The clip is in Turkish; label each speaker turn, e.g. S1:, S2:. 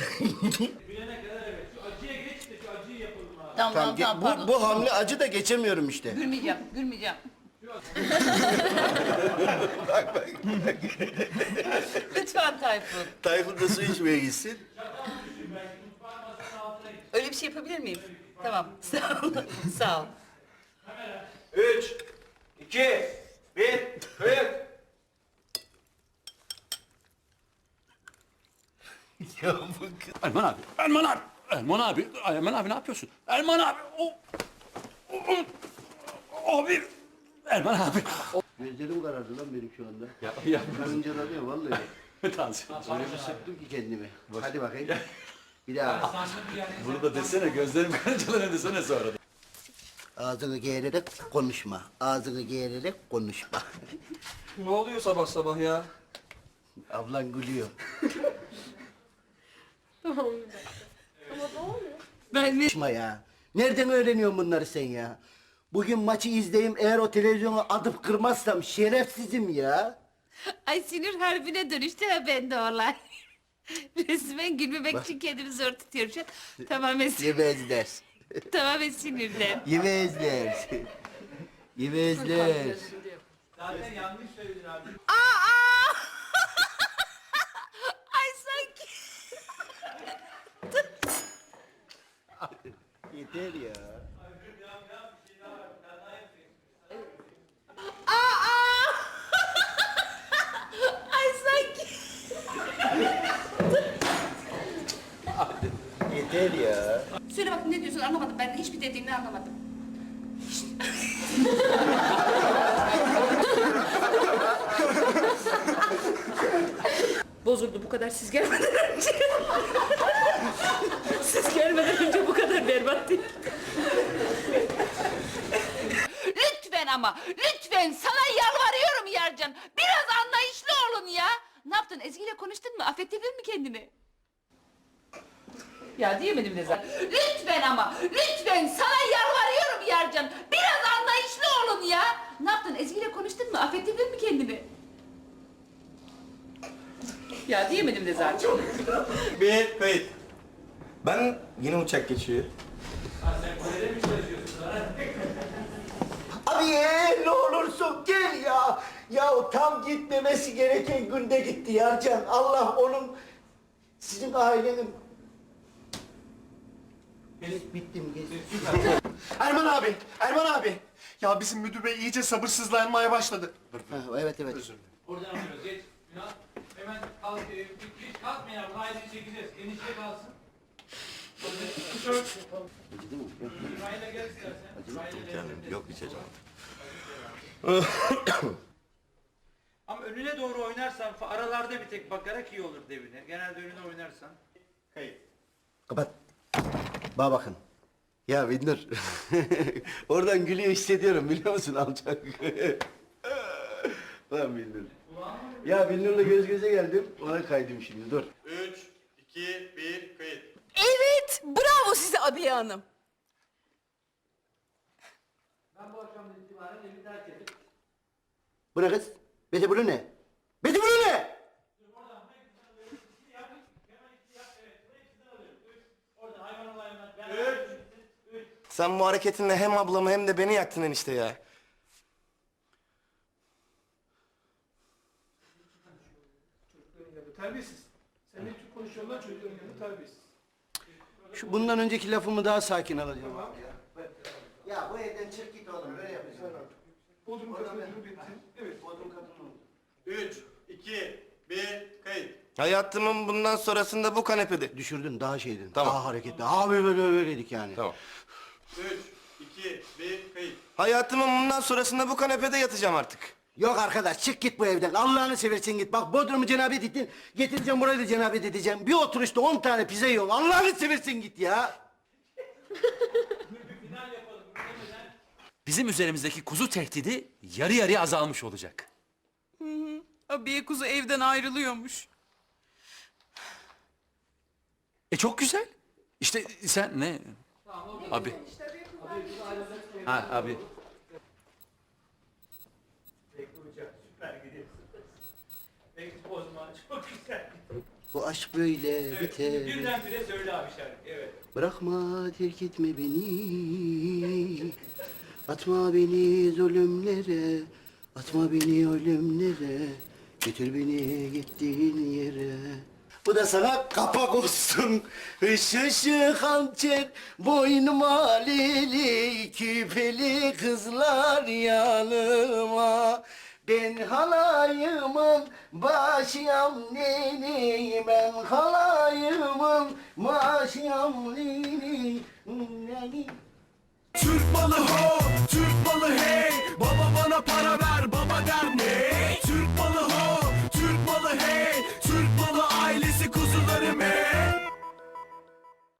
S1: Bilene kadar evet. Şu acıya geç de şu acıyı yapalım abi.
S2: Tamam, pardon.
S3: bu hamle acı da geçemiyorum işte.
S2: Gülmeyeceğim. Lütfen Tayfun.
S3: Tayfun da su içmeye gitsin.
S2: Öyle bir şey yapabilir miyim? Tamam, sağ ol. Sağ ol.
S1: 3, 2, 1, kayıt.
S3: Ya bu kız...
S4: Erman abi, Erman abi, Erman abi, Erman abi ne yapıyorsun? Erman abi, abi, Erman abi.
S3: Gözlerim karardı lan benim şu anda.
S4: Ya.
S3: Karıncalanıyor vallahi.
S4: Tansiyon.
S3: Öyle bir sıktım ki kendimi. Hadi bakayım. Bir daha.
S4: Bunu da desene, gözlerim karıncalanıyor desene sonra.
S3: Ağzını geğirerek konuşma. Ağzını geğirerek konuşma.
S5: Ne oluyor sabah sabah ya?
S3: Ablan gülüyor.
S2: Ben
S3: Konuşma ya. Nereden öğreniyorsun bunları sen ya? Bugün maçı izleyeyim, eğer o televizyonu atıp kırmazsam şerefsizim ya.
S2: Ay sinir harbine dönüştü ha bende olay. Resmen gülmemek için kendimi zor tutuyorum şu an.
S3: Yemezler.
S2: Tamamen sinirden.
S3: Yemezler. Yemezler.
S1: Zaten yanlış söyledin abi.
S2: Aa! Ay sanki.
S3: Yeter ya.
S2: Aa! Ay sanki.
S3: Yeter ya.
S2: Söyle bak ne diyorsun anlamadım. Ben hiçbir dediğini anlamadım. Bozuldu bu kadar siz gelmeden önce. Siz gelmeden önce bu kadar berbat değil. Lütfen ama lütfen sana yalvarıyorum Yarcan. Biraz anlayışlı olun ya. Ne yaptın Ezgi ile konuştun mu? Affettirdin mi kendini? Ya diyemedim ne zaten. Lütfen ama lütfen sana yalvarıyorum Yarcan. Biraz anlayışlı olun ya. Ne yaptın Ezgi ile konuştun mu? Affettirdin mi kendini? Ya diyemedim de zaten.
S5: Bir kayıt. Ben yine uçak geçiyor.
S3: Abi ne olursun gel ya. Ya tam gitmemesi gereken günde gitti Yarcan. Allah onun sizin ailenin... Evet bittim geç.
S6: Erman abi, Erman abi. Ya bizim müdür bey iyice sabırsızlanmaya başladı.
S3: Ha, evet evet.
S1: Oradan alıyoruz. Geç. Ünal. Hemen kalk. Hiç kalkma ya. Bunu ayrıca çekeceğiz. Enişte kalsın. Tişört. İsmail'e gel istersen. İsmail'e
S5: Yok içeceğim.
S1: Ama önüne doğru oynarsan aralarda bir tek bakarak iyi olur devine. Genelde önüne oynarsan.
S6: Kayıt.
S3: Kapat. Bana bakın. Ya Bindur. Oradan gülüyor hissediyorum biliyor musun alçak? Lan Bindur. Ya Bindur'la göz göze geldim. Ona kaydım şimdi dur.
S6: 3, 2, 1, kayıt.
S7: Evet, bravo size Abiye Hanım.
S1: Ben bu akşamdan itibaren evi terk edip
S3: Bu ne kız? Bete bunu ne? Bete bunu ne?
S5: Sen bu hareketinle hem ablamı hem de beni yaktın enişte ya.
S6: Terbiyesiz. Sen ne tür konuşuyorsun lan çocukların yanında terbiyesiz.
S3: Şu bundan önceki lafımı daha sakin alacağım abi ya. Ya bu evden çık git oğlum böyle yapacağım.
S6: Bodrum katına bitti. Evet.
S3: Bodrum katını oldu.
S6: 3, 2, 1, kayıt.
S5: Hayatımın bundan sonrasında bu kanepede.
S3: Düşürdün daha şeydin.
S5: Tamam.
S3: Daha hareketli. Daha böyleydik yani.
S5: Tamam.
S6: 3, 2, 1, kayıt.
S5: Hayatımın bundan sonrasında bu kanepede yatacağım artık.
S3: Yok arkadaş çık git bu evden. Allah'ını seversen git. Bak Bodrum'u cenabet ettin. Getireceğim burayı da cenabet edeceğim. Bir oturuşta 10 tane pizza yiyorum. Allah'ını seversen git ya.
S4: Bizim üzerimizdeki kuzu tehdidi yarı yarıya azalmış olacak.
S7: Abiye kuzu evden ayrılıyormuş.
S4: Çok güzel. İşte sen ne? Abi. Ha abi.
S1: süper gidiyorsun. Peki o zaman çok güzel.
S3: Bu aşk böyle
S1: Evet,
S3: biter.
S1: birdenbire söyle abi şarkı. Evet.
S3: Bırakma, terk etme beni. Atma beni zulümlere. Atma beni ölümlere. Götür beni gittiğin yere. Bu da sana kapak olsun. Işışı hançer, boynuma lili, küpeli kızlar yanıma. Ben halayımın başıyam neni, ben halayımın başıyam neni.
S8: Türk malı ho, Türk malı hey. Baba bana para ver, baba der ne?